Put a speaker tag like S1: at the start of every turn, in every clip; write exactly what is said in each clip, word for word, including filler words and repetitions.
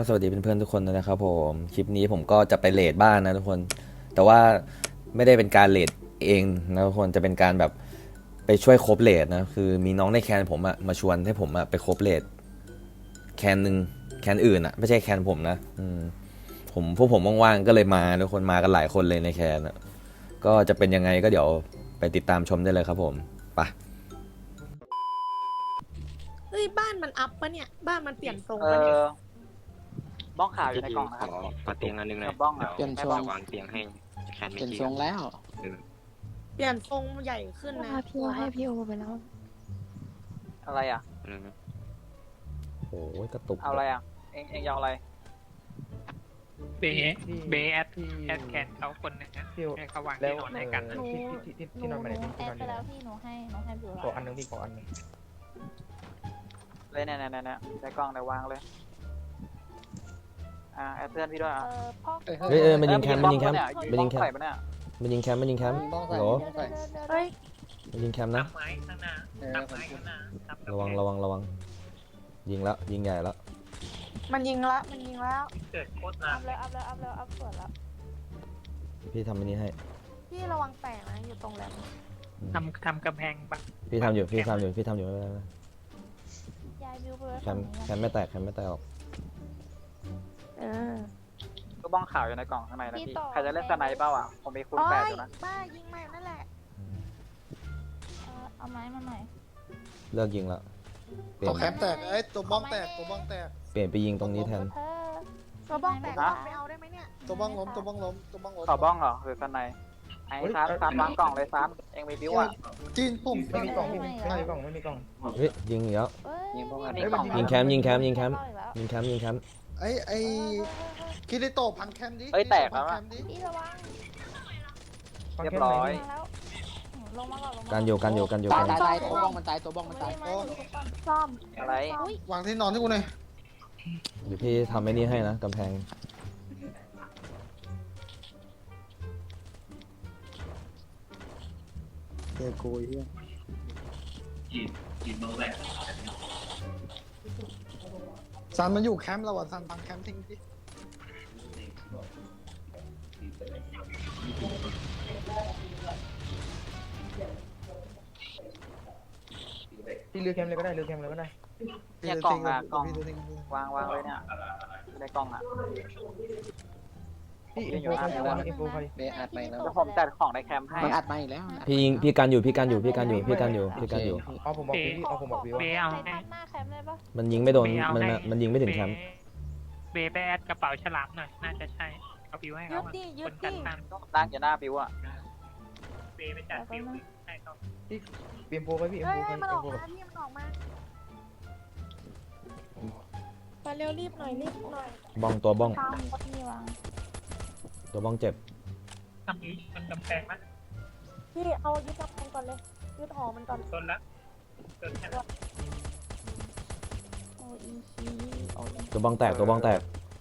S1: สวัสดีเพื่อนๆทุกคนด้วยนะครับผมคลิปนี้ผมก็จะไปเรทบ้านนะทุกคนแต่ว่าไม่ได้เป็นการเรทเองนะทุกคนจะเป็นการแบบไปช่วยครบเรทนะคือมีน้องในแคนผมอะมาชวนให้ผมอะไปครบเรทแคนหนึ่งแคนอื่นอะไม่ใช่แคนผมนะอืมผมพวกผมว่างๆก็เลยมาทุกคนมากันหลายคนเลยในแคนอะก็จะเป็นยังไงก็เดี๋ยวไปติดตามชมได้เลยครับผมไป
S2: เฮ้ยบ้านมันอัพปะเนี่ยบ้านมันเปลี่ยนทรง
S3: เอ
S2: ปะเนี่ย
S3: อบ้องขาวอยู่ในกล่องนะครับ
S4: ขอขอเตียงอันนึงหน่อย
S3: กับบ้องอะ
S4: เดี๋ยว
S3: ไม่บ้อง
S4: วางเตียงให้แคน
S5: เป
S4: ไม่
S5: ลี่ยน
S4: กี่
S5: ทรงแล้ว
S2: เปลี่ยนทรงใหญ่ขึ้นนะ
S6: พาพี่โอให้พี่โอไปแล้ว
S3: อะไรอ่ะ
S4: อืม
S1: โอ้ยกระตุก
S3: เอาอะไรอ่ะ เองเองยาวอะไร
S7: เบสเบสแอดแอดแคนเขาคนหนึงนะให้เขาวางที่นอนให้กันนะ
S6: หนู
S8: ที่ที่ที่นอนมาไหนพี่
S6: แอ
S8: ที่น
S6: ด
S8: อน
S6: ไป
S8: อยู่ไหน
S6: แล้วพี่หนูให้หนูให้บิว
S8: ขออันนึงพี่ขออันนึง
S3: เลยเนี่ยเนี่ยเนี่ยในกล่องเดี๋ยววางเลย อ่าแอดเพื่อนพี่ด้วยอ่ะ
S6: เออพ่อ
S1: เฮ้ยเออมันยิงแคมป์มันยิงแคมป์
S3: มั
S1: มัน
S3: น
S1: ยิ
S3: ยิ
S1: ง
S3: ง
S1: แค
S3: แค
S1: ม
S3: ม
S1: ป์
S3: ป์เนี่ย
S1: มันยิงแคมป์มันยิงแคมป์
S5: บ้องใส่
S1: โหล
S5: บ้องใส่
S2: เฮ้ย
S1: มันยิงแคมป์นะ
S7: ทำไม้ข้างหน้า
S5: เออ
S7: ทำไม้ข้างหน้าทำ
S1: ระวังระวังระวังยิงแล้วยิงใหญ่แล้ว
S2: มันยิงละมันยิงแล้ว
S7: เกิดโคตรนา
S6: อั
S7: น
S6: พเลยอัพเลยอัพเลยอัพสวยแล้ว
S1: พี่ทำอันนี้ให้
S2: พี่ระวังแตกนะอยู่ตรงแหลม
S7: ทำทำกำแพงบัง
S1: พี่ทำอยู่พี่ทำอยู่พี่ทำอยู่ไม่เป็นไร
S6: ยายบิวไปเลย
S1: แคมป์แคมป์ไม่แตกแคมป์ไม่แตกออก
S2: เออ
S3: ก็บ้องขาวอยู่ในกล่องข้างในนะพี่ ใครจะเล่นสไนเปอร์อ่ะ ผมมีคูณ
S2: โอ้
S3: แปด
S2: ย
S3: อยู่นะ
S2: บ้ายิงใหม่นั่นแหละ
S6: เออเอาไม้มาหน่อย
S1: เลิกยิงแล้วเปลี่ย
S5: ตัวน แคปแตกเอ้ยตัวบ้องแตกตัวบ้องแตก
S1: เปลี่ยนไปยิงตรงนี้แทน
S6: เธอ
S2: ตัวบ้องแตกบ้องไม่เอาได้ไหมเนี่ย
S5: ตัวบ้องล้มตัวบ้องล้มตัวบ้องล้ม
S3: ขอบ้องเหรอหรือสไนไอ้ซานซานวางกล่องเลยซานเองมีบิวอ่ะ
S5: จีนปุ่ม
S8: ไม่มีกล่องไม่มีไม่มีกล่องไม่มีกล่อง
S1: เฮ้ยยิงอีกแล้ว
S6: เอ้ย
S5: ยิงพวก
S3: อั
S5: มัน น
S3: นี้กล่อง
S1: ยิงแคมป์ยิงแคมป์ยิงแคมป์
S6: เข้าอีกแล้ว
S1: ยิงแคมป์ยิงแคมป์
S5: ไอ้ไอ้คิริโตะพันแคมดิ
S3: เอ้ยแตกแล้ว
S5: พั
S3: อะ
S5: นคมดิ
S6: พี่ระวัง
S3: เรียบร้อย
S6: มาแล้วลงมาก่อนลงมา
S1: การอยู่การอยู่การอยู่
S5: ตาย
S1: กัน
S5: ตายตายตัวบ้องมันตายตัวบ้องมัน
S6: ไม่
S5: ตาย
S6: ได้ไม้หนูทุกคน
S2: ซ่อม
S3: อะไร
S6: อุ้ยว
S5: างที่นอนที่กูหน่อย
S1: เดี๋ยวพี่ทำไอ้นี่ให้นะกำแพง
S5: เจอกูเฮียซันมันอยู่แคมป์เราอ่ะซันพังแคมป์ทิ้งดิ
S8: พี่เลือกแคมเลยก็ได้เลือกแคมเลยก็ได้
S3: เนี่ยกล่องอะกล่อง
S5: พี่ดูทิ้งดูทิ้ง
S3: วางวางเลยเนี่ยในกล่องอ่ะ
S8: พี่อินโฟใครอินโฟใคร
S5: เบอัดไปแล้ว
S3: เดี๋ยวผมจัดของในแคมป์ให้
S5: มันอัดมาอีกแล้ว
S1: พี่ยิงพี่กันอยู่พี่กันอยู่พี่กันอยู่พี่กันอยู่พี่กันอยู่
S8: เอาผมบอกพี่เอาผมบอกพี่
S7: เบ
S8: ว่า
S7: เอา
S6: ใคร
S7: ให้
S6: ทับหน้าแคมป์ได้ปะ
S1: มันยิงไม่โดน
S7: เบเอา
S1: มัน
S7: ให้
S1: มันยิงไม่ถึงแคมป์
S7: เบเบไปแอดกระเป๋าฉลามหน่อยน่าจะใช่เอาบิวให้
S2: ยึ
S7: เขา
S2: ด
S7: อะ
S2: ดิยึ
S7: ค
S2: ด
S7: นกั
S2: ดิ
S7: นตัน
S3: นั่งอยู่หน้าบิวอ่ะ
S7: เบไปจัดบิวให้เขา
S8: พี่อินโฟไปพี่อิน
S2: เฮ้ย
S8: โฟไป
S2: ให้มัน
S8: อิ
S2: อน อก
S8: โฟ
S2: มาพี่มันออกมาไปเร็วรีบหน่อยรีบหน่อย
S1: บ้องตัวบ้อง
S6: ตามพี่วาง
S1: ตัวบ้องเจ็บ
S7: ทำนี้มันกำแพงมั้ย
S2: พี่เอายึดกำแพงก่อนเลยยึดหอมันก่อน
S7: ต้นละต้นแค่นั้น
S6: โออีคีโออี
S1: ตัวบ้องแตกตัวบ้องแตก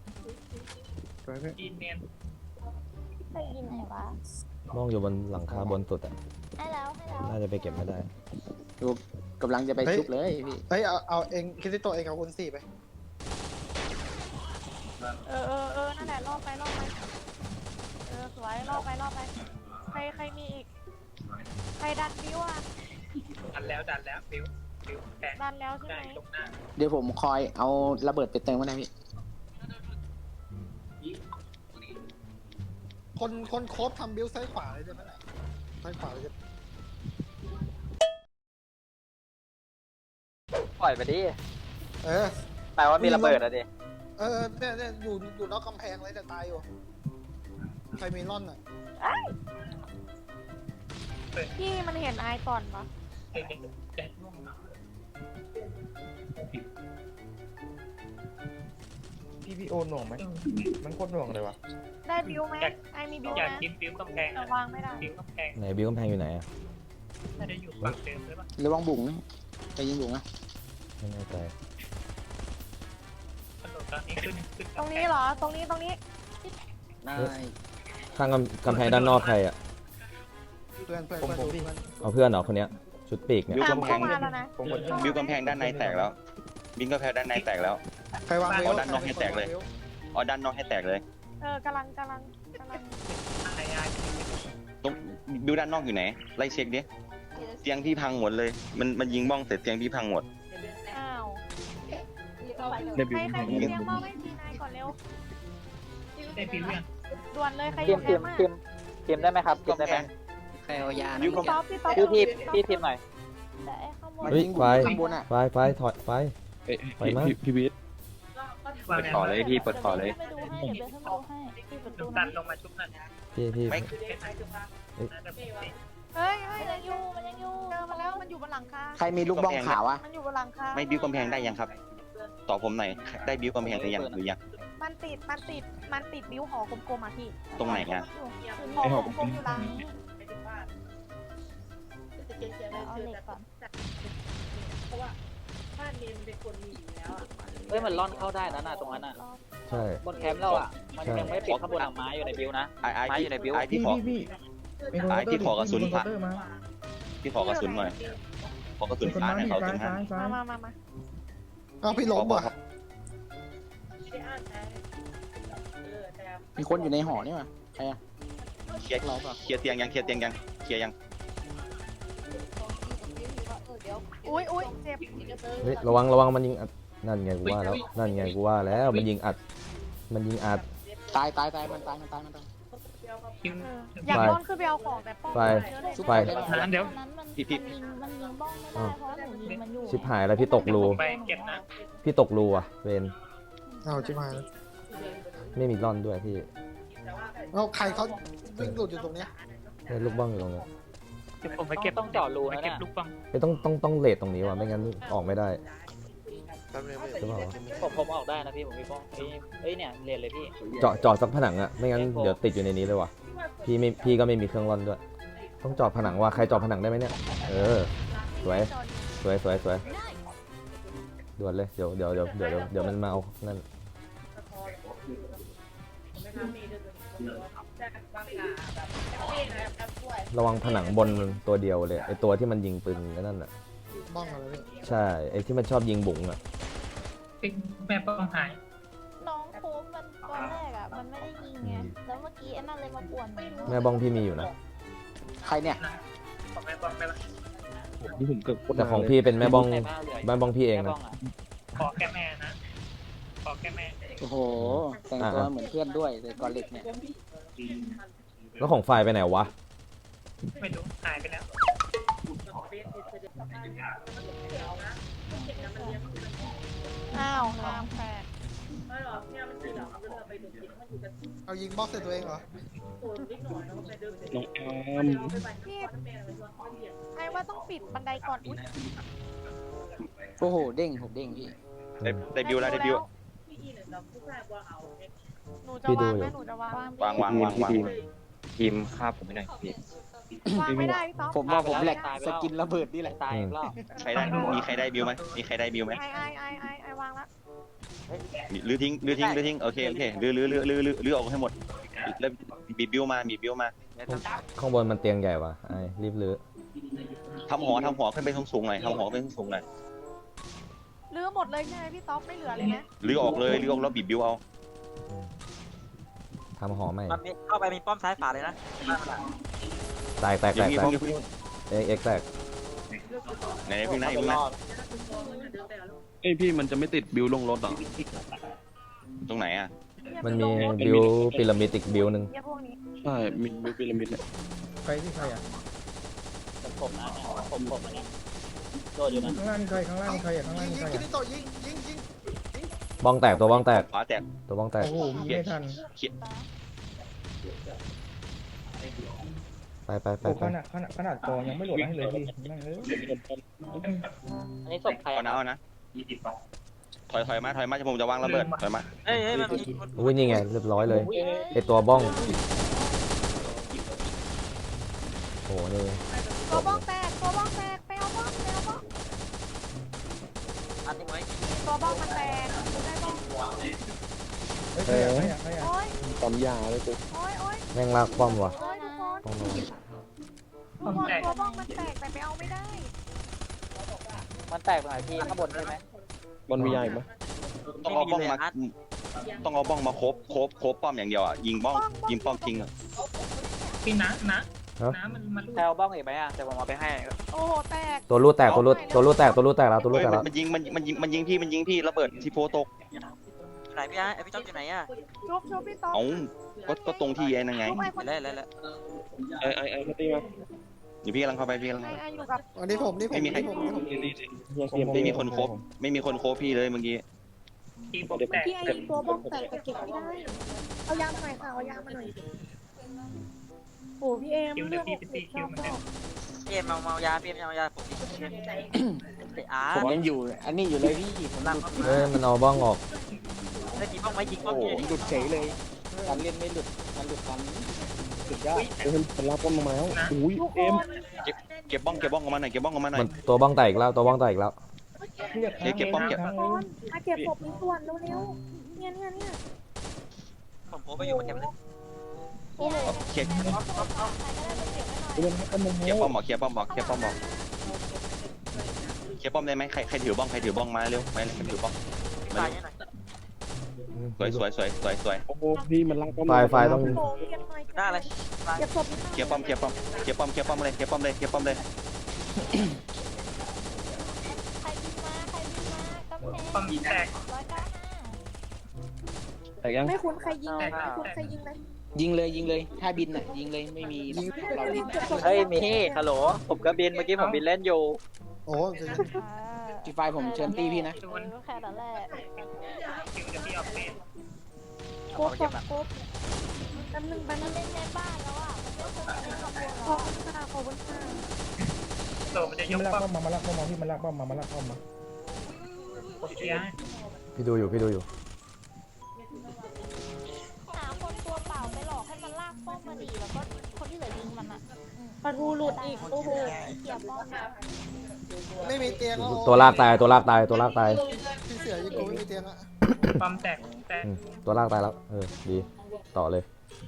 S7: จีนเนียน
S6: ไปยิงไหนวะ
S1: บ้องอยู่บนหลังคาบนสุดอ่ะ
S6: ให้แล้วให้แล้ว
S1: น่าจะไปเก็บไม่ได้
S5: กำลังจะไปชุบเลยพี่เฮ้ยเอาเอาเองคิริโตะเองเอาอุนสี่ไป
S2: เออเออเออนั่นแหละรอบไปรอบไปเออสวยรอบไปรอบไปใครใครมีอีกใครดันบิวอ่ะ
S7: ดันแล้วดันแล้วบิวบิวแพง
S2: ดันแล้วใช่
S7: ได้
S2: ไหม
S7: ตรงหน้า
S5: เดี๋ยวผมคอยเอาระเบิดไปเติมก็ได้พี่คนคนโคบทำบิวซ้ายขวาเลยใช่ไหมล่ะซ้ายขวาเลย
S3: ปล่อยไปดิ
S5: เออ
S3: แปลว่ามีระเบิดอะดิ
S5: เออเนี่ยเนี่ยอยู่อยู่นอกกำแพงเลยจะตายอยู่ใครมีร่อนอ่ะ
S2: พี่มันเห็นไอก่อนปะ
S7: เด็กเด็ก
S8: พี่พี่โอนหน่วงไหมมันโคตรหน่วงเลยวะ
S2: ได้บิวไหมไอมีบิว
S7: อยาก
S2: นะ
S7: กินบิวกำแพง
S2: แต่วางไม่ได้
S7: บิวกำแพง
S1: ไหนบิวกำแพงอยู่ไหนอ่ะ
S7: น่าจะอยู่ฝั่งเดิมหรือเปล่า
S5: ระวังบุ๋งนะไปยิงบุ๋งนะ
S1: ไม่แน่ใจ
S7: ถนนตอนนี้ขึ้นขึ้น
S2: ตรงนี้เหรอตรงนี้ตรงนี้
S5: ได้
S1: ข้างกำกำแพงด้านนอกใครอ่ะ
S5: เพื่อนเพื่อน
S8: ผมผม
S5: เพื่
S8: พี่
S5: อน
S1: เอาเพื่อนเหรอคนเนี้ยชุดปีกเนี่ย
S2: ตามเข้ามาแล้วนะ
S8: ผมกด
S9: บิวกำแพงด้านในแตกแล้วบิงก็แพ้ด้านในแตกแล้ว
S5: ใครวางเวล
S9: เอาด้านนอกให้แตกเลย อ๋อด้านนอกให้แตกเลย
S2: เออกำลังกำลังกำลัง
S7: ไอ้ไอ้
S9: ตรงบิวด้านนอกอยู่ไหนไล่เช็คดิเตียงพี่พังหมดเลย มันมันยิงบ้องเสร็จเตียงพี่พังหมด
S2: อ้าว
S8: เดบิว
S2: ใคร
S8: ต์
S2: ใครมีเลี้ยงบ้าไม่ทีนายก่อนเร็ว
S7: ได้ปีเรื่อง
S2: ด่วนเลยใครอ
S3: ทีม
S2: ยู่แค
S3: ที
S2: ม
S3: ม
S2: ป์อ่ะ
S3: ทีมทีมได้ไหมครับทีมได้ไหม
S10: ใครเอายา
S9: บิวก็
S2: พี่ต๊อปพี่ต๊อป
S3: พี่ทีมพี่ทีมหน่อย
S6: แต่ไอ้ข้างบน
S1: เฮ้ยไฟ
S10: ข้างบนอ่ะ
S1: ไฟไฟถอยไฟ ไปมั้ย
S8: พี่วิท
S4: เปิดต่อเลยพี่เปิดต่อเลย
S6: ไปดูให้เดี๋ยวเดินเข้าไปดูให้ที่ประตู
S7: ตั
S6: นะ
S7: ดลงมาชุบหน่อย
S1: พี่พี่
S9: ไม่
S2: เฮ้ยเฮ้ย
S6: มันยังอยู่มันยังอยู่
S2: เจอมาแล้วมันอยู่บนหลังคา
S10: ใครมีลูกบ้องขาวอ่ะ
S2: มันอยู่บนหลังคา
S9: ไม่บิวกำแพงได้ยังครับตอบผมหน่อยได้บิวกำแพงหรือยังหรือยัง
S2: มันติดมันติดมันติดบิ้วหอกลมๆอ่ะพี่
S9: ตรงไหนอะ
S2: หอของกลมอยู่หลังนี้
S6: เอาเหล็กก่อน
S3: เฮ้ยมันล่อนเข้าได้นะน่ะตรงนั้นน่ะ
S1: ใช่
S3: บนแคมป์เราอ่ะมันยังไม่ปิดข้างบนอ่ะไม้อยู่ในบิวนะ
S9: ไอ้ไอ้
S3: ไม้
S9: พี่
S3: อยู่ในบิว
S9: ไอ้พี่
S8: พี่
S9: ขอ
S8: พี่พี่
S9: ไอ้ที่ขอกระสุน
S8: ผ่า
S9: ผ่า พี่ขอกระสุนหน่อยขอกระสุน
S8: คน
S9: ฟ้า
S8: มา
S9: ให้
S8: พี่
S9: เขา
S8: ซ้า
S9: ตร
S8: ย
S9: งนั้
S8: ซ้าน ยซ้าย
S2: มามามามา
S5: เอาพี่ล้มว่ะ
S10: มีคนอยู่ในหอนี่ว่ะใครอ่ะ
S9: เคลียร์เคลียร์เตียงยังเคลียร์เตียงยังเคลียร์ยัง
S2: อุ้ยอุ้ยเจ็บ
S1: เฮ้ยระวังระวังมันยิงอัดนั่นไงกูว่าแล้วนั่นไงกูว่าแล้วมันยิงอัด มันยิงอัด
S10: ตายตายตายมันตายมันตายมันตาย
S7: คิว
S2: เอออยากร่อนขึ้นไปเอาของแต่ป้อง
S1: ไป
S2: เยอะเลย
S1: ไฟ
S7: นั้นเดี๋ยว
S6: นั้นมันมันยิงมันยิงบ้องไม่ได้เพราะว่าหนูยิงมันอยู่
S1: ชิบหายแล้วพี่ตกรู
S7: ไปเก็บนะ
S1: พี่ตกรูอ่ะเวน
S5: เอาจิ๋มาแล้ว
S1: ไม่มีร่อนด้วยพี่
S5: เอาใครเขาวิ่งหลุดอยู่ตรงเนี้ย
S1: เนี่ยลูกบ้องอยู่ตรงเนี้ย
S7: เดี๋ยวผมไปเก็บ
S3: ต้องเจาะรู
S7: ไป
S3: นะ
S7: เก็บ
S3: น่ะ
S7: ลูกบ้อง
S1: ไม่ต้องต้องต้องเลทตรงนี้ว่ะไม่งั้นออกไม่ได้
S5: แป๊บนึง
S1: ใช่เปล่าวะ
S3: ผมผมออกได้นะพี่ผมมีบ้องเอ้ยเอ้ยเนี่ยเรียนเลยพี่
S1: เจาะเจาะสักผนังอ่ะไม่งั้นเดี๋ยวติดอยู่ในนี้เลยว่ะพี่ไม่พี่ก็ไม่มีเครื่องร่อนด้วย ต้องเจาะผนังว่ะใครเจาะผนังได้ไหมเนี่ยเออสวยสวยสวยสวยด่วนเลยเดี๋ยวเดี๋ยวเดี๋ยวเดี๋ยวเดี๋ยวเดี๋ยวมันมาเอานั่นระวังผนังบนตัวเดียวเลยไอตัวที่มันยิงปืนนั่นน่ะ
S5: บ้องอะไรเนี่ย
S1: ใช่ไอที่มันชอบยิงบุ๋งอ่ะ
S7: แม่ป้องหาย
S6: น้องโค้งมันตอนแรกอ่ะมันไม่ได้ยิงไงแล้วเมื่อกี้ไอ้นั่นเลยมาป่วนหนู
S1: แม่บ้องพี่มีอยู่นะ
S10: ใครเนี่ย
S7: ของแม่ป้องไปละ
S8: นี่ผมเกือบ
S1: แต่ของพี่เป็นแม่บ้อง
S3: ใครบ้างเหลือ
S1: แม่บ้องพี่เอง
S3: แม่
S1: นะ
S3: บ้องอ่ะ
S7: ขอแค่แม่นะ ขอแค่แม่
S10: โอ้โหแต่งตัวเหมือนเพื่อนด้วยแต่กอเหล็กเนี่ย
S1: แล้วของฝ่ายไปไหนวะ
S7: ไม่รู้หายไปแล้ว
S2: อ้าวน้ำแปด
S5: เอายิงบล็อกใส่ตัวเองเหรอ
S8: น้องอาม
S2: พี่ไอ้ว่าต้องปิดบันไดก่อนอุ้ย
S10: โอ้โหเด้งผมเด้งพี่
S9: ได้ได้บิวแล้วได้บิว
S2: หนูจะวางไหมหนูจะวาง
S9: วางวางวางวาง
S4: ทีมฆ่าผมไม่ได้พี่
S2: วางไม่ได้พี่ต๊อก
S10: ผมว่าผมแหลกสกินระเบิดนี่แหละ
S3: ตายอีกรอบ
S9: ใครได้มีใครได้บิวไหมมีใครได้บิวไหม
S2: ไอไอไอไอไอวางละ
S9: หรือทิ้งหรือทิ้งหรือทิ้งโอเคโอเคหรือหรือหรือหรือหรือหรือออกให้หมดแล้วบีบบิวมาบีบบิวมา
S1: ข้างบนมันเตียงใหญ่ว่ะไอ้รีบลื้อ
S9: ทำหอทำหอขึ้นไปสูงๆหน่อยทำหอขึ้นไปสูงๆหน่อย
S2: ลื้อหมดเลยใช่ไหมพี่ต๊อกไม่เหลือเลยนะ
S9: หรือออกเลยหรือออกแล้วบีบบิวเอา
S1: ทำหอใหม่
S3: มันมีเข้าไปมีป้อมซ้ายฝาเลยนะ
S1: แตกแตก
S9: เดี๋
S1: แต
S9: ยว
S1: ก
S9: พี่
S1: แตกเอ็กเอ็กแตก
S9: ไหนพึ่งนะพึ่งนะ
S8: เอ้ยพี่มันจะไม่ติดบิวลงรถหรอ
S9: ตรงไหนอ่ะ
S1: มันมีบิวพีระมิดอีกบิวหนึ่ง
S2: เนี่ยพวกนี้
S8: ใช่มีบิวพีระมิดเนี่ย
S5: ใครที่ใครอ่ะ
S3: ผมผมนะเนี่ยผมผมอันเนี้ยโดดอยู่นะ
S8: ข้างล่างมีใครข้างล่างมีใครอ่ะข้างล่าง
S5: ยิง
S8: มี
S5: ยิ
S8: ใค
S5: ง
S8: ร
S5: คิ
S8: อ่ะ
S5: ริโตะยิงยิงยิง
S1: บ้องแตกตัวบ้องแตก
S9: ขวาแตก
S1: ตัวบ้องแตก
S8: โอ้โหยิงไม่ทัน
S1: ไปไปไป
S8: โอ้
S1: ไป
S8: ขนาดขนาดขนาดจอยังไม่โหลดให้เลยพี่นั่งเลย
S3: อันนี้ศพใคร
S9: เอา
S3: อ่ะ
S9: นะเอานะถอยถอยมาถอยมาจะผมจะวางระเบิดถอยมา
S3: เอ้ยเอ้ยมันมี
S1: อุ้ยนี่ไงเรียบร้อยเลยไอตัวบ้องโอ้โหนี่
S2: ตัวบ้องแตกตัวบ้องแตกไปเอาบ้องไปเอาบ้อง
S3: อันนี้ไว้
S2: ตัวบ้องมันแตกได้บ้อง
S8: เฮ้ยใครอ่ะใครอ่ะใครอ่ะ
S2: โอ้ย
S8: ปั๊มยาเลยกู
S2: โอ้ยโอ้ย
S1: แม่งลากป้อมว่ะ
S2: โอ้ยทุกคน
S1: ป้อมลง
S2: ทุกคนตัวบ้องมันแตกแต่ไปเอาไม่ได้
S3: มันแตกตรงไหนพี่ข้างบนใช่ไหม
S9: ม
S11: บอลมียาอีกปะ
S9: ต้องเอาบ้องมาต้องเอาบ้องมาครบครบครบป้อมอย่างเดียวอ่ะยิงบ้องยิงป้อมทิ้งอะ
S7: พี่นะนะนะมันมัน
S3: แถวบ้องอีกไหมอ่ะเดี๋ยวผมเอาไปให้
S2: โอ้โหแตก
S1: ตัวรูดแตกตัวรูดตัวรูดแตกตัวรูดแตกแล้วตัวรูด
S9: เฮ้ย
S1: แตกแล้ว
S9: มันยิงมันมันยิงมันยิงพี่มันยิงพี่ระเบิดทีโฟตก
S3: ไหนพี่อ่ะพี่ต้องอยู่ไหนอ่ะ
S2: ชุบชุบพี่ต๊อก
S9: เอ้าก็ก็ตรงที่ไอ้นั่นไง
S2: ชุบไอ้คน
S3: แล้วแล้วแล้ว
S11: ไอ้ไอ้ไอ้มาตีมา
S9: เดี๋ยวพี่กำลังเข้าไปพี่กำลัง
S2: ไอ้ไอ้อยู่กับ
S5: อันนี้ผมนี่ผม
S9: ไม่มีใคร
S5: นี่ผมนี่ผม
S11: นี่นี่นี่เฮียเตรียม
S9: ไม่มีคนครบไม่มีคนโคบพี่เลยเมื่อกี้
S7: ทีผมแตก
S2: พี่ไอ้ตัวบ้องแตกแต่เก็บไม่ได้เอายามาหน่อยค่ะเอายามาหน่อยโอ้พี่เอ็ม
S7: คิว
S2: เลื
S7: เดี๋ย
S2: อ
S7: ว
S2: ด
S7: พี่
S2: ห
S7: ไป
S2: ก
S7: ตี
S2: สิบ
S7: คิว
S2: เก้า
S7: เหมือน
S2: เก้า
S7: กัน
S3: พี่เอ็มเอาเมายาพี่เอ็มเอายาผมไอ้อา
S10: ผมยังอยู่ อันนี้อยู่เลยพี่ผมนั่ง
S1: เอ้ยมันเอาบ้องออก
S3: ได้ยิงบ้องไหมยิงบ้อง
S10: โอ้โห
S3: พี่
S10: หลุดเฉยเลยการเล่นไม่หลุดการหลุดกันสุดยอด
S11: เฮ้ยมันลากป้อมลงมาแล้วอุ้ย
S2: ทุกค
S11: เอ็ม
S2: น
S9: เก็บบ้องเก็บบ้องออกมาหน่อยเก็บบ้องออกมาหน่อ
S1: มั
S9: ย
S1: นตัวบ้องแตกอีกแล้วตัวบ้องแตกอีกแล้ว
S11: เรียก
S9: เดี๋ยวเก็บป้อมเก็บ
S2: ทุกคนมาเก็บศพนี้ส่วนเร็วๆเนี่ยเนี่ยเนี่ย
S3: ผมโผล่ไปอยู่มาเก็บเลย
S2: โอ้โห
S9: เคลียร์
S11: เรียกให้ป้อมลง
S9: เคลียร์ป้อมบอกเคลียร์ป้อมบอกเคลียร์ป้อมบอกเคลียร์ป้อมได้ไหมใครใครถือบ้องใครถือบ้องมาเร็วมาเร็วใครถือบ้องมา
S3: ตาย
S9: เร็ว
S3: ยังไง
S9: สวยสวยสวยสวยสวย
S11: โอ้โหพี่มันลากป้อม
S1: ไฟไฟต้อง
S2: โอ้โหเก็บหน่อย
S3: หน้าอะไร
S2: เก็บศพนี้
S9: เคลียร์ป้อมเคลียร์ป้อมเคลียร์ป้อมเคลียร์ป้อมเลยเคลียร์ป้อมเลยเคลียร์ป้อมเลย
S6: ใครบินมาใครบินมากำแพง
S7: ป้อมแตก
S6: ร้อยเก้าห้า
S11: แต่ยัง
S2: ไม่คุ้นใครยิงเลยไม่คุ้นใครยิงเลย
S10: ยิงเลยยิงเลยถ้าบินอ่ะยิงเลยไม่มี
S5: ยิง
S10: เรา
S3: เฮ้ยมีฮัลโหลผมก็บินเมื่อกี้ผมบินเล่นอยู่
S5: โอ้จะ
S10: จีไฟผมเชิญตี้พี่นะ
S6: เออแค่นั้นแหละ
S7: คิวเดี๋ยวพี่เอาเฟส
S2: โป๊บโป๊บโป๊บแป๊บนึงแป๊บนึ
S6: มัน
S2: ง
S6: เล่นในบ้านแล้วอ่ะมันไม่ควรจะเล่นกับพวก
S2: ข
S6: เรา
S2: อบคุณค่ะขอบคุณค่ะ
S7: โตมันจะย
S8: พี่
S7: ก
S8: มันลาก
S7: ป้อ
S8: ป้อ
S7: ม
S8: มมามาลากป้อมมาพี่มันลากป้อมมามาลากป้อมมา
S7: เคลียร์
S1: พี่ดูอยู่พี่ดูอยู่
S6: หาคนตัวเปล่าไปหลอกให้มันลากป้อมมาดีแล้วก็คนที่เหลือยิงมันอ่ะอืม
S2: ปลาทูหลุดอีกโอ้โห
S6: เกี่ยวป้อมอะ
S5: ไม่มีเตียงแล้ว
S1: ตัวลากตายตัวลากตายตัวลากตาย
S5: พี่เสือยิงกูไม่มีเตียงอะ
S7: ป้อมแตกแตก
S1: อืมตัวลากตายแล้วเออดีต่อเลย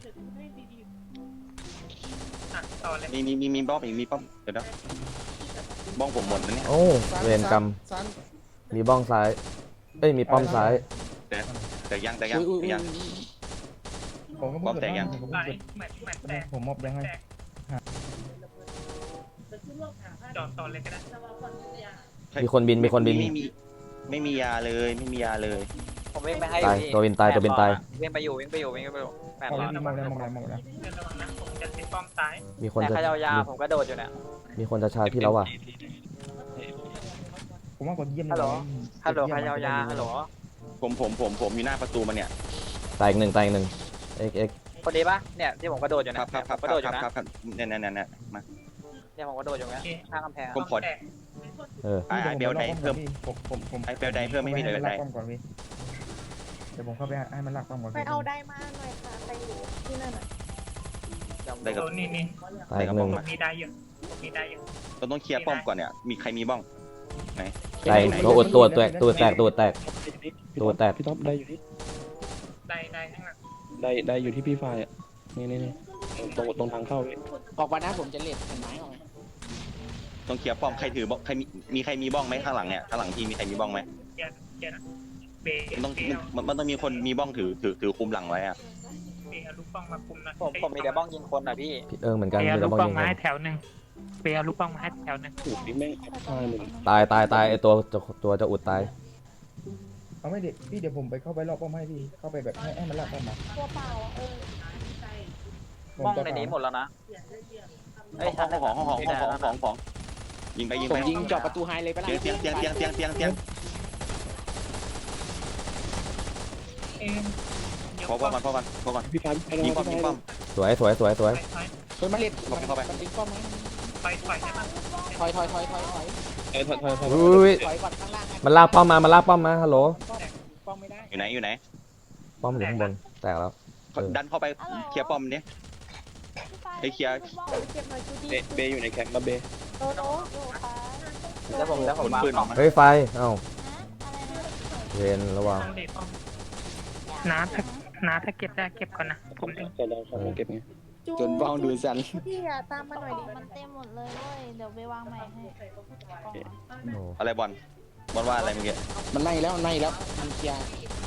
S7: อ่ะต่อเลย
S9: มีมีมีมีบ้องอีกมีป้อมเดี๋ยวนะบ้องผมหมดนะเนี่ย
S1: โอ้เวรกรรม
S5: ซัน
S1: มีบ้องซ้ายเอ้ยมีป้อมซ้าย
S9: แต่แต่ยังแต่ยัง
S10: อุ้ยอุ้ย
S9: แต่ยัง
S8: ผมก็
S9: ป้อมแตกยัง
S8: ผม
S7: ไหล
S8: ก็
S7: เหมือนเหมือนแตก
S8: ผมมอบยังไง
S7: จอดต่อเลยก็ได้
S1: มีคนบินมีคนบิน
S9: ไม่มีไม่มียาเลยไม่มียาเลย
S3: ผมวิ่งไปให้
S1: ตายตัวบินตายตัวบินตาย
S3: วิ่งไปอยู่วิ่งไปอยู่วิ่งไปอยู่แปด
S8: เอา
S3: ร้อย
S8: พี่มองแล้วมองแล้วมองแล้ว
S7: เดินระวังนะผมจะเป็นป้อมซ้าย
S1: มีคน
S3: แต่
S1: จะ
S3: ขยาวยาผมก็โดดอยู่เนี่ย
S1: มีคนจะชาร์จพี่แล้วว่ะ
S8: ผมว่ากดเยี่ยม
S3: ฮัลโหล
S8: เลย
S3: ฮัลโหลขยาวยาฮัลโหล
S9: ผมผมผมผมอยู่หน้าประตูมันเนี่ย
S1: ตายอีกหนึ่งตายอีกหนึ่งเอ็กเอ็ก
S3: คนนี้ปะเนี่ยที่ผมกระโดดอยู่
S9: ครั
S3: เนี่
S9: บ
S3: ย
S9: ครับครับ
S3: กระโดดอ
S9: ครั
S3: ยู่
S9: บ
S3: นะครับ
S9: ครับเนี่ยเนี่ยเนี่ยเนี่ยมา
S3: เนี่ยผมกระโดดอยู่เนี่ยข้างกำแพง
S9: ผมขอ
S7: แตก
S1: เออ
S9: ไอ้ไอ้เบลไดเพิ่ม
S8: ผมผมผม
S9: ไอ้เบลไดเพิ่มไม่มีเลย
S8: ให้น
S9: ได
S8: ลากป้อมก่อนพี่เดี๋ยวผมเข้าไปให้มันลากป้อมก่อน
S2: ไปเอาได้มาหน่อยค่ะไปอยู่ที่นั่นอ่ะ
S9: ได้กับ
S7: โซนนี่นี่
S1: ตายอีกหนึ่ง
S7: ผมมีได้อยู่ผมมีได้อยู่
S9: เราต้องเคลียร์ป้อมก่อนเนี่ยมีใครมีบ้องไหน
S1: ตายตัวอุดตัวแตกตัวแตกตัวแตก ตัวแตก
S11: พี่ท็อปได้อยู่ที่
S7: ได้ได้ข้างหลัง
S11: ได้ได้อยู่ที่พี่ไฟอ่ะนี่นี่นี่ตรงตรงทางเข้าพี่
S10: ออกมานะผมจะเล็ดแผ่นไม้ออกมา
S9: ต้องเคลียร์ป้อมใครถือบ้องใครมีมีใครมีบ้องไหมข้างหลังเนี่ยข้างหลังที่มีใครมีบ้องไหม
S7: เคลียร์เคลียร์นะเบย์
S9: มันต้อง
S7: เบย์เอา
S9: มันมันต้องมีคนมีบ้องถือถือถือคุมหลังไว้อะ
S7: เบย์เอาลูกป้องมาคุมนะ
S3: ผมผมมีแต่บ้องยิงคนอ่ะพี่
S1: พี่เอิงเหมือนกัน
S7: เบย์
S1: มี
S7: เอา
S1: แต่
S7: ลูก
S1: บ้อง
S7: ป้อง
S1: ยิง
S7: มาให้แถวหนึ่งเบย์เอาลูกป้องมาให้แถวหนึ่ง
S11: ถูกนี่แม่งอัพพลาดเลย
S1: ตายตายตายไอตัวจะตัวจะอุดตาย
S8: เอาไม่เด็ดพี่เดี๋ยวผมไปเข้าไปรอบป้อมให้พี่เข้าไปแบบให้ให้มันลากป้อมมา
S2: ตัวเปล่าอ่ะเออ
S8: ผม
S3: บ้อง
S8: จะ
S3: ในนี้หมดแล้วนะ
S9: ห้องของของของของของของของยิงไปยิง
S10: ผ
S9: ไป
S10: มยิงเจาะประตูไฮเลยปะล่ะ
S9: เตียงเตียงเตียงเตียงเตียงเตียง
S7: เอ็มเดี๋ยว
S9: พอพอก่อนพอก่อนพอก่อน
S11: พี่ไฟพี่ไฟ
S9: ยิงป้อมยิงป้อม
S1: สวยสวยสวยสวย
S7: ถอย
S10: คนมาเล็ด
S9: เข้าไปเข้าไป
S10: มันดึงป้อมไหม
S7: ถอยถอยถอยได้ปะ
S10: ถอยถอยถอยถอยถอย
S11: เอ้ยถอยถอยถอย
S1: อุ้ย
S10: ถอยก่อนข้างล่างะ
S1: มันลากป้อมมามันลากป้อมมาฮัลโหล
S10: ป้อมไม่ได้
S9: อยู่ไหนอยู่ไหน
S1: ป้อมอยู่ข้างบนแตกแล้ว เออ
S9: ดันเข้าไปเคลียร์ป้อมนี้ ไอ้เคลียร์
S2: เก็บหน่อยจู
S11: เบ
S2: ดี้
S11: เบอยู่ในแคมป์มาเบ
S2: โตโต
S6: อยู่ค่ะ
S3: แล้วผมแล้วผมมา
S9: ปืนออกมา
S1: เฮ้ยไฟเอ้า
S6: ฮะอะไรนะ
S1: เวนระวัง
S7: ต้องเด็ดป้อมน้าถ้าน้าถ้าเก็บได้เก็บก่อนนะผมเอง
S11: จะลองของเก็บไง
S2: จู
S10: จนบ้องดูสัน
S2: จูดี้อ่ะตามมาหน่อยดิ
S6: มันเต็มหมดเลยเว้ยเดี๋ยวไปวางใหม่ให้กล่องอะ
S1: โอ้
S9: อะไรบอลบอลว่าอะไรเมื่อกี้
S10: มันไล่แล้วไล่แล้วมันเคลียร์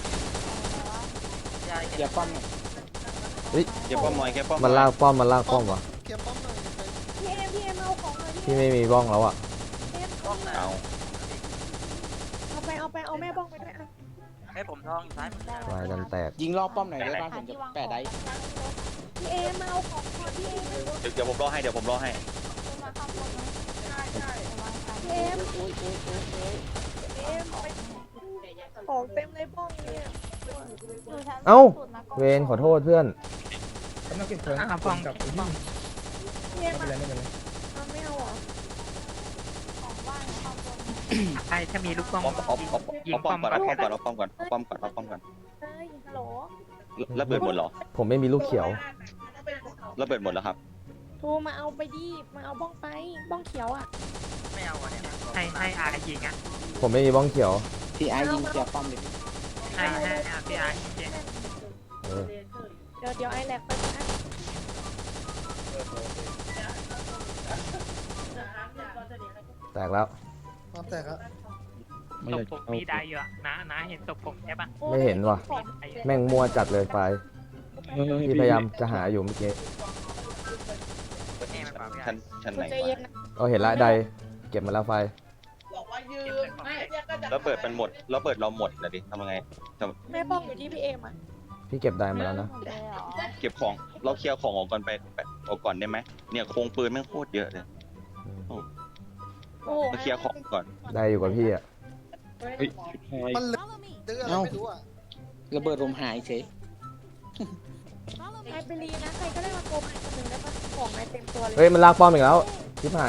S10: เคลียร์ป้อมหน่อย
S9: เก็บป้อมหน่อยเก็บป้อม
S1: มันลากป้อมมันลากป้อมวะ
S5: เกียร์ป้อมหน่อยไป
S2: พี่เอ็มพี่เอ็มเอาของหน่อย
S1: พี่ไม่มีบ้องแล้วอ่ะ
S2: พี่เอ็มเอา
S9: เอา
S2: เอาไปเอาไปเอาแม่บ้องไปด้วยอ่ะ
S3: ให้ผมทองซ้ายมือ
S1: วายกันแตก
S10: ยิงรอบป้อมหน่อยได้ป่ะผมจะแปะได้
S2: พี่เอ็มมาเอาของก่อนพี่เอ็ม
S9: เดี๋ยวเดี๋ยวผมรอให้เดี๋ยวผมรอให้
S6: มาข้ามบนนะ
S2: พี่เอ็ม
S10: โอ้ยโอ้ยโอ้ยโอ้ย
S2: พี่เอ็มไปของเต็มเลยบ้องเนี่ย
S6: ดูชั้น
S1: เอ้า
S6: สุดนะก็
S1: เวนขอโทษเพื่อน
S8: กำลังเก็บของ
S7: อ่ะ
S8: ผ
S7: ป้อ
S8: ม
S7: ง
S8: กับไอ้
S7: ป้
S8: นี่
S7: อง
S2: พี่เอ็ม
S8: ไม่เป็นไรไม่เป็นไร
S2: เอาไม่เอาเหรอ
S6: ของว่างข้ามบน
S7: ใช่ถ้ามีลูกป้อง
S9: เอาเอาเอา
S7: ยิ
S9: เอา
S7: ง
S9: ป้อ
S7: ป้อ
S9: ม
S7: ม
S9: ก่อนเอาป้อมก่อนเอาป้อมก่อนเอาป้อมก่อนเอาป้อมก่อน
S2: เฮ้ยฮัลโหล
S9: ระเบิดหมดเหรอ
S1: ผมไม่มีลูกเขียว
S9: ระเบิดหมดแล้วครับ
S2: โทรมาเอาไปดิมาเอาบ้องไปบ้องเขียวอ่ะ
S3: ไม่เอาอ่ะเนี่ย
S7: ให้ให้อายิงอ่ะ
S1: ผมไม่มีบ้องเขียว
S10: พี่ไอ้ยิงเคลียร์ป้อมเลย
S7: ให้ให้อาพี่อายิงเจ๊
S1: เออ
S2: เดี๋ยวเดี๋ยวไอแลกไปนะ
S1: แตกแล้ว
S5: ความแตกอะ
S11: ไม่
S7: ศ
S11: อยา
S7: พ
S11: ก
S7: ผม
S11: เอา
S7: มีได้อยู่อ่ะนะนะเห็นศพผมใช่ปะ
S1: ไม่เห็นว่ะ แม่งมัวจัดเลยไฟ
S11: เฮ้ยเฮ้
S1: พี่พยายามจะหาอยู่เมื่อกี้
S3: นี่มันปรับไม่ได้
S9: ชั้นชั้นไหน
S2: ใจ
S9: วะ
S2: เย็นนะ
S1: เอาเห็นละใดเก็บมาแล้วไฟ
S9: ระเบิดมันหมดระเบิดเราหมดนะดิทำยังไง
S2: แม่บ้องอยู่ที่พี่เอ็มอ่ะ
S1: พี่เก็บได้มาแล้วนะ
S6: หมดเลยเหรอ
S9: เก็บของเราเคลียร์ของออกก่อนไปไปออกก่อนได้ไหมเนี่ยโครงปืนแม่งโคตรเยอะเลย
S2: โอ้
S9: เราเคลียร์ของก่อน
S1: ได้อยู่กับพี่อ่ะ
S11: เฮ้ยชิบหาย
S5: มันเหลือดื้ออะไรไม่รู้อะ
S10: ระเบิดลมหายเฉย
S2: ใครไปรีนะใครก็ได้มาโกงไอ้คนหนึ่งได้ปะของนายเต็มตัวเลย
S1: เฮ้ยมันลากป้อมอีกแล้วชิบหาย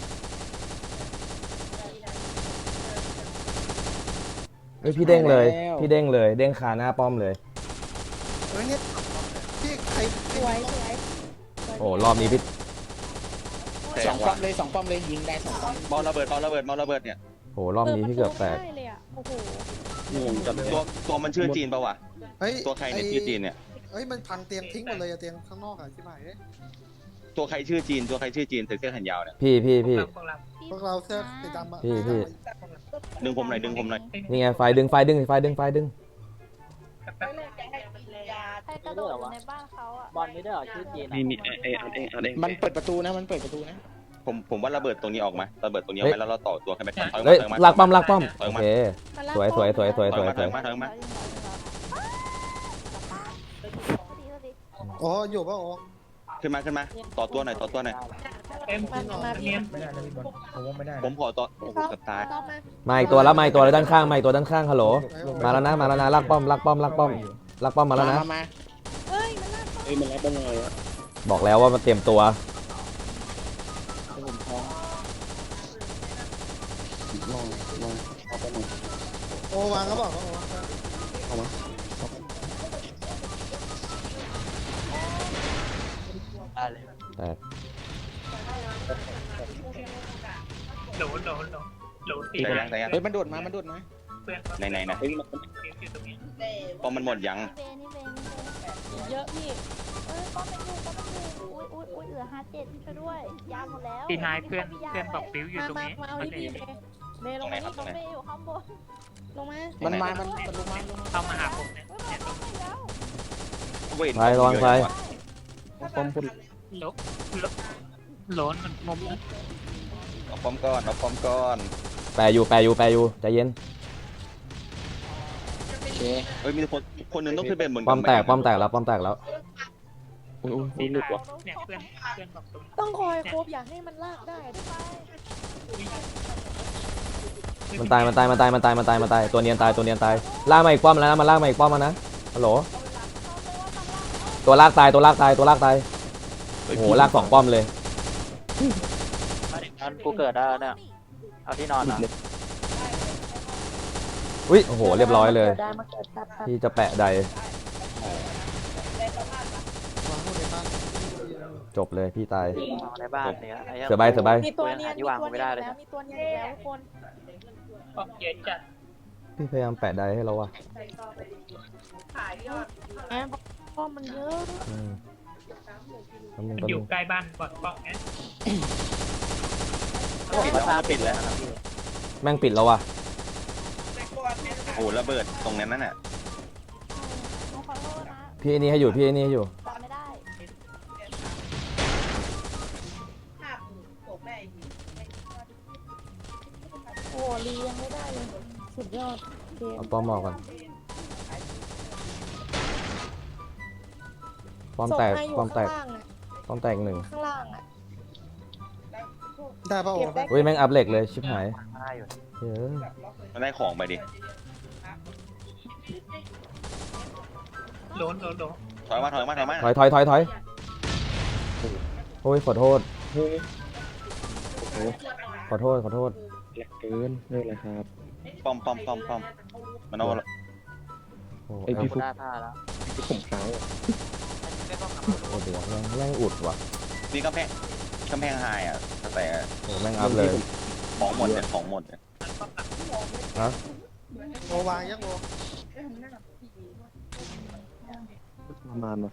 S1: เฮ้ยพี่เด้งเลย พี่เด้งเลย เด้งคาหน้าป้อมเลย
S5: เฮ้ยเนี่ยพี่ใคร
S2: สวยสวย
S1: โอ้รอบนี้พี่
S10: สองป้อมเลยสองป้อมเลยยิงได้สองป้อม
S9: เมาระเบิดเมาระเบิดเมาระเบิดเนี่ย
S1: โหรอบนี้พี่เกือบแตก
S2: ได้เลยอ่ะโอ้โห
S11: งงจัดเลย
S9: ตัวตัวมันชื่อจีนปะวะ
S5: เฮ้ย
S9: ตัวใครเนี่ยชื่อจีนเนี่ย
S5: เฮ้ยมันพังเตียงทิ้งหมดเลยอะเตียงข้างนอกอะที่ไหน
S9: ตัวใครชื่อจีนตัวใครชื่อจีนใส่เสื้อแขนยาวเนี่ย
S1: พี่พี่พี่
S7: พวกเรา
S5: พวกเราเสื้อสีดำอะ
S1: พี่พี่
S9: ดึงผมหน่อยดึงผมหน่อย
S1: นี่ไงไฟดึงไฟดึงไฟดึงไฟดึง
S6: ใครกระโดดอยู่ในบ้านเขาอ่ะ
S3: บอลไม่ได้เหรอชื่อจีน
S11: นี่นี่ไอ้ไอ้อันเองอันเอง
S10: มันเปิดประตูนะมันเปิดประตูนะ
S9: ผมผมว่าระเบิดตรงนี้ออกมาระเบิดตรงนี้ออกมาแล้วเราต่อตัวกันไปถอย
S1: เฮ้ย
S9: ถอยมา
S1: ลากป้อมลากป้อม
S9: ถอย
S1: โอ
S9: มา
S1: เค สวยสวยสวยสวย
S9: ถ
S1: ส
S9: อย
S1: วย
S9: มา
S1: ส
S9: ถ
S1: ว
S9: อย ยมาถอยมา
S5: อ๋ออยู่ปะโอ้
S9: ขึ้นมาขึ้นมาต่อตัวหน่อยต่อตัวหน่อย
S7: เอ็ม
S2: มามาพี่
S7: เนียน
S8: ไม่ได้นะพี่บอลผมว่าไม่ได้นะ
S9: ผมขอต่อโอ้โห
S2: ชอบ
S9: เกับตาย
S2: ชอบมา
S1: มาอีกตัวแล้วมาอีกตัวแล้วด้านข้างมาอีกตัวด้านข้างฮัลโหล มาแล้วนะมาแล้วนะลากป้อมลากป้อมลากป้อมลากป้อมมาแล้วนะ
S10: มามา
S2: เฮ้ยมันลาก
S11: เฮ้ยมันรับบ้างไงอะ
S1: บอกแล้วว่ามันเตรียมตัว
S10: ผมท้อง
S11: ลองลองเอาไปหน่อย
S5: โอ้วางก็บอกว่าโอ้
S11: เอามา
S3: ได้เลย
S1: แตก
S7: โหลโหลโหลโหลตี
S9: แต่ยังแต่ยัง
S10: เฮ้ยมันโดดมามันโดดมา
S7: เพื่อน
S9: ไหนไหนไหน
S11: เฮ้ยมัน
S7: อยู่ตรงนี้
S9: พอมันหมดยัง
S6: เบนนี่เบนนี่เบน
S2: เยอะพี่
S6: เอ้ยป้อมเป็นอยู่ป้อมเป็นอยู่อุ้ยอุ้ยอุ้ยเหลือห้าเจ็ดช่วยด้วยยาวหมดแล้ว
S7: ตีท้ายเพื่อนเพื่อนบอกบิ้วอยู่
S2: มา
S7: ตรง
S2: มา
S7: นี้
S2: มาเอา
S7: มัน
S2: ที่
S7: เล
S2: พี่
S7: ย
S2: เมย์เมย์ลงมานี่
S6: ป้อมเบย์อยู่ข้างบน
S2: ลงมา
S10: มันมามันมันลงมาลงมา
S7: เข้ามาหาผมเนี่ยเนี่ยตรง
S6: ไม่แล้ว
S9: เว้ย
S1: ไฟระวังไฟ
S11: ป้อมพุ่น
S7: โหลโหลโหลนมันมุมนะ
S9: เอาป้อมก้อนเอาป้อมก้อน
S1: แปรอยู่แปรอยู่แปรอยู่ใจเย็น
S10: โอเค
S9: เฮ้ยมีคนคนหนึงต้องขึ้นไปบน
S1: ป้อม
S9: กำ
S1: แต
S9: พ
S1: ก
S9: ง
S1: ป้อมแตกแล้วป้อมแตกแล้ว
S11: อุ้ยอุ้ยนี่หลุดว่ะ
S7: เนี่ยเพื่อนเพื่อนบอกตรง
S2: ต้องคอยโคบอย่าให้มันลากได้ด้วยไป
S1: มันตายมันตายมันตายมันตายมันตายมันตายตัวเนียนตายตัวเนียนตายลากมาอีกป้อมแล้วนะมันลากมาอีกป้อมมานะฮัลโหลตัวลากตายตัวลากตายตัวลากตายโอ้โหลากสองป้อมเลย
S3: งั้นกูเกิดได้แล้วเนี่ยเอาที่นอน
S11: หลุ
S3: อ่ะ
S11: ดเลย
S1: อุ้ยโอ้โหเรียบร้อยเลย
S2: ได้มาเกิดครับ
S1: ที่จะแปะใด
S5: วางหมดเลยบ้าน
S1: จบเลยพี่ตาย
S3: ในบ้านเนี่ยไอ้หี้
S1: เสือใบเสือใบ
S2: มีตัวเนียน
S3: ที่
S2: มี
S3: วาง
S2: ตัว
S3: ไม่
S2: เนีย
S3: ได้
S2: น
S3: เลย
S2: แล้วมีตัวเนียนอีกแล้วทุกคน
S7: บอกเยอะจัด
S1: พี่พยายามแปะใดให้เราอะ
S2: แอบป้อมมันเยอะ
S1: อืมแล้วมึง
S7: มัน
S1: ก็
S7: อยู่ใกล้บ้านบอดบอกเนี่ย
S3: มาตาปิดแล้วนะครับพี่
S1: แม่งปิดแล้วว่ะ
S9: อ้ระเบิดตรงนั้นนั่นน่ะ
S6: หนูขอโทษนะ
S1: พี่ไอ้นี่ให้อยู่พี่ไอ้นี่ให้อยู่
S6: จำไม่ได้ โอ้ลียังไม่ได้เลย สุดยอดเกม
S1: เอาป้อมออกก่อนป้อมแตก
S6: ส่งให้อยู่
S1: ป้อมแตก
S6: ข้างล่างอะ
S1: ป้อมแตกหนึ่ง
S6: ข้างล่างอะ
S5: ได้ป่ะโอ้
S6: เก็บได้
S1: อุ้ยแม่งอัพเหล็กเลยชิบหายเฮ้ย
S9: มันได้ของไปดิ
S7: โดนโดนโดน
S9: ถอยมาถอยมาถอยมา
S1: ถอยถอยถอยถอยโอ้ยขอโทษ
S11: เฮ้ยโอ้โห
S1: ขอโทษขอโทษ
S11: แหลกเกินไม่เป็นไรครับ
S9: ป้อมป้อมป้อมป้อมมันเอา
S1: โอ้
S11: ไอ้
S1: แอ
S11: พี่
S1: ล
S11: ฟุก
S3: ได้ผ้าแล้ว
S11: พี่ผมค้างอะ
S1: โอ้โหแม่งแม่งอุดว่ะ
S9: นี่กำแพงกำแพงไฮอ่ะแต่
S1: โอ้แม่งอัพเลย
S9: ของหมดเนี่ยของหมดเนี่ย
S1: ฮะ
S5: โอวางยังโอ
S11: ประมาณวะ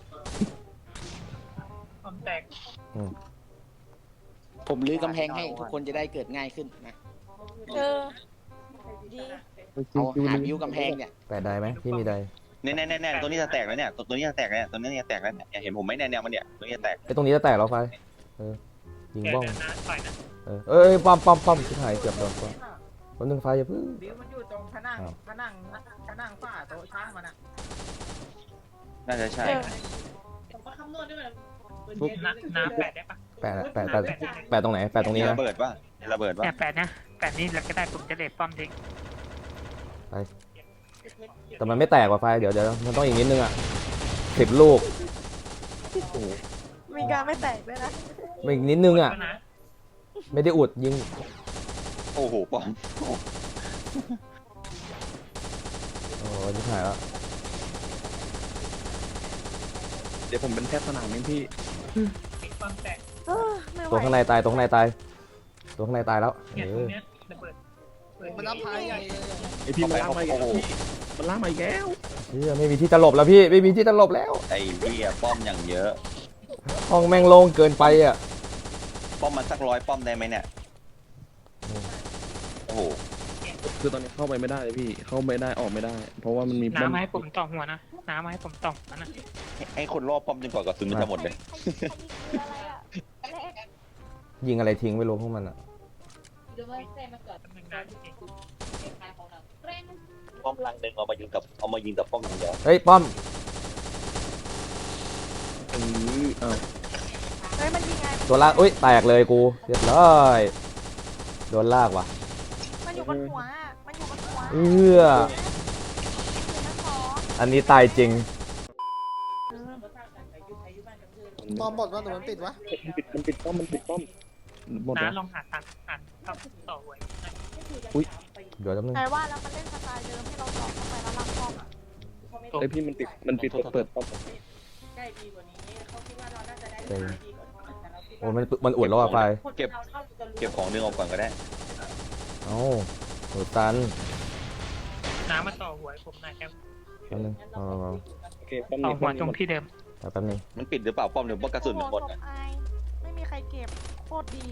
S7: ความแตก
S10: ผมลื้อกำแพงให้ทุกคนจะได้เกิดง่ายขึ้นนะ
S6: เออ ดี
S10: เอาหาวิวกำแพงเนี่ย
S1: แปดได้ไหมพี่มีได้
S9: แน่แน่แน่แน่ตัวนี้จะแตกแล้วเนี่ยตัวนี้จะแตกแล้วเนี่ยตัวนี้จะแตกแล้วเนี่ยเห็นผมไหมเนี่ยเนี่ยมันเนี่ยตัวนี้จะแตก
S1: ไอ้ตรงนี้จะแตกแล้วไฟเออยิง
S7: แก
S1: บ้อง
S7: เดินนะต่อยนะ
S1: เออเอ้ยป้อมป้อมป้อมชิบหายเกือบโดนป้อมคนหนึ่งไฟอย่าเพิ่ง
S3: บิวมันอยู่ตรงผนังผนังผนังฝ้าโต๊ะช่างมันอ่ะ
S9: น่าจะใช่
S7: ฟุกน้ำน้ำแปดได้ปะ
S1: แปดแปดแปดแปดตรงไหนแปดตรงนี้นะ
S9: ระเบิดป่ะระเบิดป่ะ
S7: เนี่ยแปดนะแปดนี่เราก็ได้ผมจะเลทป้อมทิ้ง
S1: แต่มันไม่แตกว่ะไฟเดี๋ยวเดี๋ยวมันต้องอีกนิดนึงอ่ะสิบลูก
S2: มีการไม่แตกด้วยนะ
S1: อีกนิดนึงอ่ะ
S7: ก็นะ
S1: ไม่ได้อุดยิง
S9: โอ้โหป้อม
S1: โอ้ยชิบหายแล้ว
S11: เดี๋ยวผมเป็นแพทย์สนามเองพี่
S7: ความแตก
S2: เออไม่ไหว
S1: ตัวข้างในตายตัวข้างในตายตัวข้างในตายแล้ว
S7: เนี่ย
S1: เอ
S7: ตรง
S1: อ
S7: เนี้ยระเบิดเปิด
S5: มันรับพายใหญ่เลย
S11: ไอพี่มันล่ากมาอีกแล้ว
S9: โอ้โห
S11: พี่มันล่ากมาอีกแล้ว
S1: เฮียไม่มีที่ตลบแล้วพี่ไม่มีที่ตลบแล้ว
S9: ไอ้เหี้ยป้อมอย่างเยอะ
S1: ห้องแม่งโล่งเกินไปอ่ะ
S9: ป้อมมันสักร้อยป้อมได้ไหมเนี่ยโอ้โห
S11: คือตอนนี้เข้าไปไม่ได้เลยพี่เข้าไม่ได้ออกไม่ได้ เพราะว่ามันมี
S7: น้ำมาให้ผมต่อหัวนะน้ำมาให้ผมต่อหัวนะ
S9: ให้คนรอบป้อมจนกว่ากระสุนมันจะหมดเลย
S6: ใครใครยิงอะไรอะ
S1: ยิงอะไรทิ้งไม่รู้พวกมันอ่ะ
S9: ป้อมลังหนึ่งเอามายิงกับเอามายิงกับป้อมอย่างเดียว
S1: เฮ้ยป้อม
S11: เอออ้าว
S2: เฮ้ยมันยิงไง
S1: ตัวลากอุ้ยแตกเลยกูเรียบร้อยโดนลากว่ะ
S2: มันอยู่บนหัวอะมันอยู่บนหัว
S1: เอื้อ
S2: อยู่ชั้นสอง
S1: อันนี้ตายจริง
S5: ป้อมหมดวะหรือมันปิดวะ
S11: มันปิดมันปิดป้อมมันปิดป้อมหมดแล้ว
S7: น้าลองหาทางหาทางต่อหัว
S1: เดี๋ยวแป๊บนึง
S2: ไหนว่าแล้วมันเล่นสไตล์เดิมให้เราสอบเข้าไปแล้วรับป้อมอะ
S11: ไอพี่มันปิดมันปิดเปิดป้อม
S1: เจ๋งโอ้มันมันอุดแล้วอ่ะไฟ
S9: เก็บเก็บของดึงออกก่อนก็ได้
S1: เอ้าโหตัน
S7: น้ำมาต่อหัวผมหน่อยครับ
S1: แป๊บนึงเอาเอาเอา
S11: โอเคป้อม
S7: ต่อ
S11: นี้
S7: หัวตรงที่เดิม
S1: เอาแป๊บนึง
S9: มันปิดหรือเปล่าป้อมหรือว่ากระสุนมันหมด
S2: โอ้โห
S9: อะ
S2: ศพอายไม่มีใครเก็บโคตรดี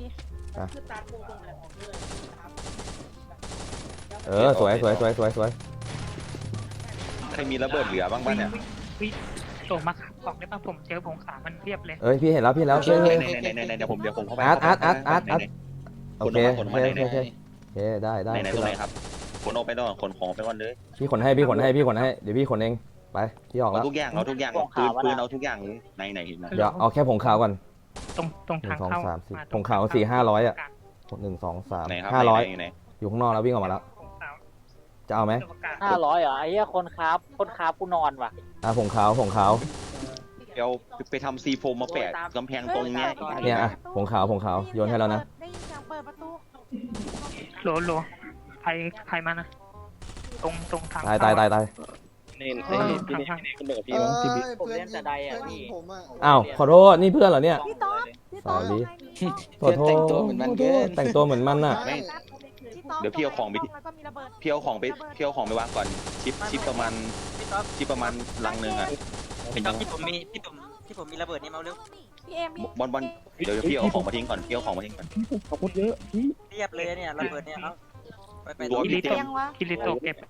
S1: เออสวยสวยสวยสวยสวย
S9: ใครมีระเบิดเหลือบ้างบ้างเนี่ย
S7: วิ่งส่งมาขับของได้ป่ะผมเจอผงขามันเรียบเลย
S1: เอ้ยพี่เห็นแล้วพี่เห็นแล้วเฮ้ยเฮ้ย
S9: ในในในเดี๋ยวผมเดี๋ยวผมเข้าไป
S1: อาร์ตอาร์ตอาร์ตอาร์ตอาร์ต โอเค
S9: ขน
S1: โอ
S9: มา
S1: เค
S9: ขน
S1: โอ
S9: มา
S1: เคโอเคโอเคได้ได้
S9: ไหนไหน
S1: ขึ้
S9: ต
S1: น
S9: รงไหน
S1: แล้ว
S9: ครับขนออกไปก่อนขนของไปก่อนเลย
S1: พี่ขนให้พี่ขนให้พี่ขนให้เดี๋ยวพี่ขนเองไปพี่ออก
S9: เอา
S1: แล้ว
S9: ทุกอย่างเอาทุกอย่างปืนปืนเอาทุกอย่างเลยไหนไหนไหน
S1: เดี๋ยวเอาแค่ผงขาวก่อน
S7: ตรงตรง
S1: หนึ่
S7: ทาง
S1: งสอง
S7: เข้า
S1: สามสี่
S7: มาต
S1: ผ
S7: รง
S1: งขาวสี่ห้าร้อยอ่ะหนึ่งสองสาม
S9: ไหนครับ
S1: ห้าร้อย
S9: ไหนไหน
S1: อยู่ข้างนอกแล้ววิ่งออกมาแล้ว
S7: ผงขาว
S1: จะเอาไหม
S7: ตัวประกาศ
S3: ห้าร้อยเหรอไอ้เหี้ยคนครับคนครับกูนอนว่ะ
S1: อ่ะผงขาวผงขาว
S9: เดี๋ยวไปทำซีโฟมมาแปะกำแพงตรงเนี้ย
S1: เนี่ยอ่ะผงขาวผงขาวโยนให้แล้วนะ
S2: ได้ยินเสียงเปิดประตู
S7: โหลโหลใครใครมานะตรงตรงทาง
S1: ตายตายตายตาย
S11: เน่นไอ้พี่เน่นพี่เน่นขึ้นไปกับ
S5: เอ
S11: พี่
S5: อ
S11: มั้งพี่บิ๊ก
S5: เพื่อนยิงเพื่อนยิงผมอ่ะ
S1: อ้าวขอโทษนี่เพื่อนเหรอเนี่ย
S2: พี่ต๊อบพี่ต๊อบ
S1: Sorry
S2: เอาไงพี่ต๊อบ
S1: ขอโทษ
S10: แต่งตัวเหมือนมันเกิน
S1: แต่งตัวเหมือนมันน่ะ
S9: ไม่
S2: ต๊บ
S9: เดี๋ยวพี่เอาของไป
S2: แล้วก็มีระเบิด
S9: พี่เอาของไปพี่เอาของไปวางก่อนชิปชิปประมาณชิปประมาณลังหนึ่งอะ
S3: พี่ต๊อบที่ผมมีที่ผมที่ผมมีระเบิดนี่มาเร็ว
S2: พี่เอ็มพี่
S9: บอลบอลเดี๋ยวพี่เอาของมาทิ้งก่อนพี่เอาของมาทิ้งก่อน
S11: ขอบคุณเยอะพี่
S3: เรียบเลยเนี่ยระเบิดเนี่ยเอาไปไป
S9: ตัว
S7: คิ
S9: พี่
S7: ริ
S9: เต็
S7: โตะ
S9: ม
S2: ยังวะ
S7: คิริโตะเก็บ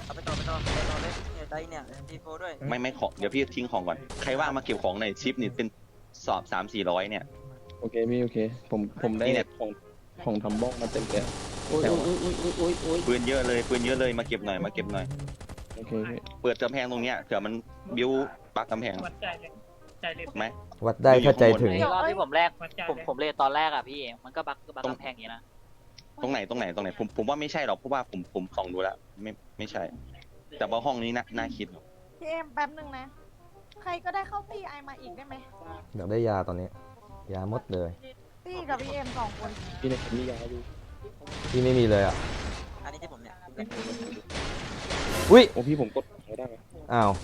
S3: เอาไปต่อไปต่อไปต่อเลยเนี่ยได้เนี่ยทีโฟด้วย
S9: ไม่ไม่ของเดี๋ยวพี่ทิ้งของก่อนใครว่างมาเก็บของในอยชิปนี่เป็นสอบสามสี่ร้อยเนี่ย
S11: โอเคพี่โอเค ผมผมได้
S9: นี่เนี่ย
S11: ของของทำบ้องมาเต็มเลย
S10: โอ้ยโอ้ยโอ้ยโอ้ยโอ้ยโอ้ย
S9: ปืนเยอะเลยปืนเยอะเลยมาเก็บหน่อยมาเก็บหน่อย
S11: โอเคพี่
S9: เปิดกำแพงตรงเนี้ยเผื่อมันบิ้วปักกำแพง
S7: วัดใจเลยใจเลย
S9: ไหม
S1: วัดได้ถ้าใจถึง
S3: รอบที่ผมแรก
S7: วัดใจ
S3: ผม
S7: เลย
S3: ผมเลยตอนแรกอ่ะพี่มันก็บักก็บักกำแพงอย่างนี้นะ
S9: ตรงไหนตรงไหนตรงไหนผมผมว่าไม่ใช่หรอกเพราะว่าผมผมส่องดูแล้วไม่ไม่ใช่ แต่ว่าห้องนี้น่าน่าคิด
S2: พี่เอ็มแป๊บหนึ่งนะ ใครก็ได้เข้าตีไอมาอีกได้ไหม
S1: อยากได้ยาตอนนี้ ยาหมดเลย
S2: ตีกับพี่เอ็มสองคน
S11: พี่เนี่ยผมมียาอยู่
S1: พี่ไม่มีเลยอ่ะ
S3: อันนี้ที่ผมเนี่ย
S1: อุ้ย
S11: โอ้พี่ผมกดไม่ได้ไหม
S1: อ้าว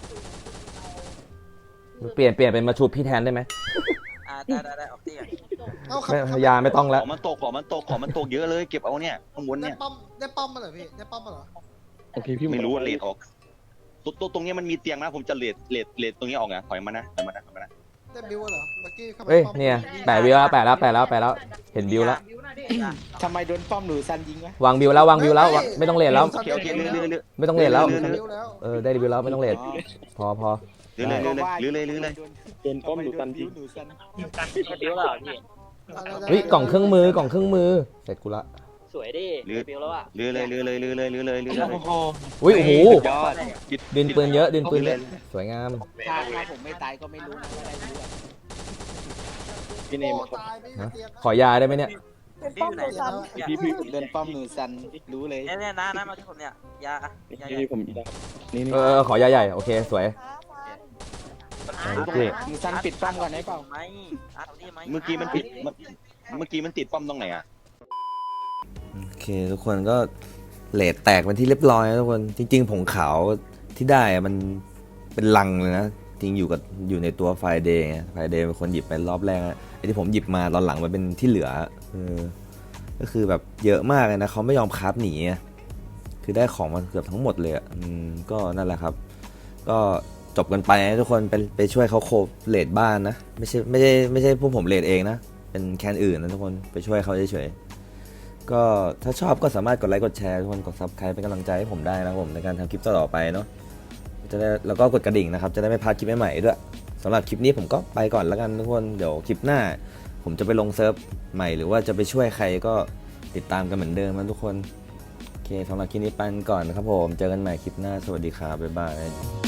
S1: เปลี่ยนเปลี่ยนเป็นมาชุบพี่แทนได้ไหม
S3: อ่าได้ได้ได้ออกตีอ่ะ
S5: เอาครับ
S1: ไม่
S5: ครับ
S1: ยาไม่ต้อง
S9: ข
S1: แล้ว
S9: องมันตกของมันตกของมันตกเยอะเลยเก็บเอาเนี่ยข้างบน
S5: ได้
S9: เนี่ย
S5: ป้อมได้ป้อมมาเหรอพี่ได้ป้อมมาเหรอ
S11: โอเคพี่
S9: ไม่รู้ว่าเลดออกตัวตัวตรงเนี้ยมันมีเตียงนะผมจะเลดเลดเลดตรงนี้ออกนะถอยมานะถอยมานะถอยมานะ
S5: ได้บิวเหรอเมื่อกี้เข้าไป
S1: เอ้ย
S5: ป้อม
S1: เนี่ยแปะบิวแล้วแปะแล้วแปะแล้วแปะแล้ว เห็นบิวแล้ว
S10: ทำไมโดนป้อมหนูซันยิงวะ
S1: วางบิวแล้ววางบิวแล้ววางไม่ต้องเลทแล้ว
S9: โอเคโอเคเรื่อยเรื่อยเรื่อย
S1: ไม่ต้องเลทแล้ว
S5: ได้บิวแล้ว
S1: เออได้บิวแล้วไม่ต้องเลทพอพอ
S9: เรื่อยเรื่อยเรื่อยเรื่อยเรื่อยเรื่อย
S11: โดนป้อมหรือตันจริง
S10: หนูซัน
S7: อยู่กัน
S3: บิ้วแล้วเหรอพี่
S1: เฮ้ยกล่องเครื่องมือกล่องเครื่องมือเสร็จกูละ
S3: สวยดิบิ้วแล้วอ่ะ
S9: เรื่อยเรื่อยเรื่อยเรื่อยเรื่อยเรื่อยเรื่อยเรื่อยเรื่อย
S1: อุ้ยโอ้โห
S10: ยอด
S1: ดินปืนเยอะดินปืนเยอะสวยงาม
S10: ถ้าถ้าผมไม่ตายก็ไม่รู้นะว่าได้รู้อะ
S11: พี่เนม
S5: โอ้
S11: ครับ
S5: ตายไม่มีเตียงนะ
S1: ขอยาได้ไหมเนี่ย
S2: เป็นป้อมตัวซ้
S11: พี่พี่
S10: โดนป้อมหนูซันรู้เลย
S3: เนี่ยเนี่ยนะนะมาที่ผมเนี่ยยา
S11: พี่พี่ผมยานี่นี่
S1: เออขอยาใหญ่โอเคสวย
S2: ำ
S1: โอเค
S10: หนูซันปิดป้อมก่อนได้เปล่า
S3: ไหมอาร์ตนี่ไหม
S9: เมื่อกี้มันติดเมื่อกี้มันติดป้อมตรงไหนอ่ะ
S1: โอเคทุกคนก็เลทแตกเป็นที่เรียบร้อยนะทุกคนจริงๆผงขาวที่ได้อะมันเป็นลังเลยนะจริงอยู่กับอยู่ในตัวไฟเดย์ไฟเดย์เป็นคนหยิบไปรอบแรกนะไอ้ที่ผมหยิบมาตอนหลังมันเป็นที่เหลือเออก็คือแบบเยอะมากเลยนะเขาไม่ยอมคราฟหนีอะคือได้ของมันเกือบทั้งหมดเลยอ่ะอืมก็นั่นแหละครับ ก็จบกันไปนะทุกคนไปไปช่วยเขาโคบเลดบ้านนะไม่ใช่ไม่ใช่ไม่ใช่พวกผมเลดเองนะเป็นแคนอื่นนะทุกคนไปช่วยเขาเฉยๆก็ถ้าชอบก็สามารถกดไลค์กดแชร์ทุกคนกดซับสไครป์เป็นกำลังใจให้ผมได้นะครับผมในการทำคลิปต่อๆไปเนาะจะได้แล้วก็กดกระดิ่งนะครับจะได้ไม่พลาดคลิปใหม่ๆด้วยสำหรับคลิปนี้ผมก็ไปก่อนแล้วกันทุกคนเดี๋ยวคลิปหน้า ผมจะไปลงเซิร์ฟใหม่หรือว่าจะไปช่วยใครก็ติดตามกันเหมือนเดิมนะทุกคนโอเคสำหรับคลิปนี้ไปก่อนนะครับผมเจอกันใหม่คลิปหน้าสวัสดีครับบ๊ายบาย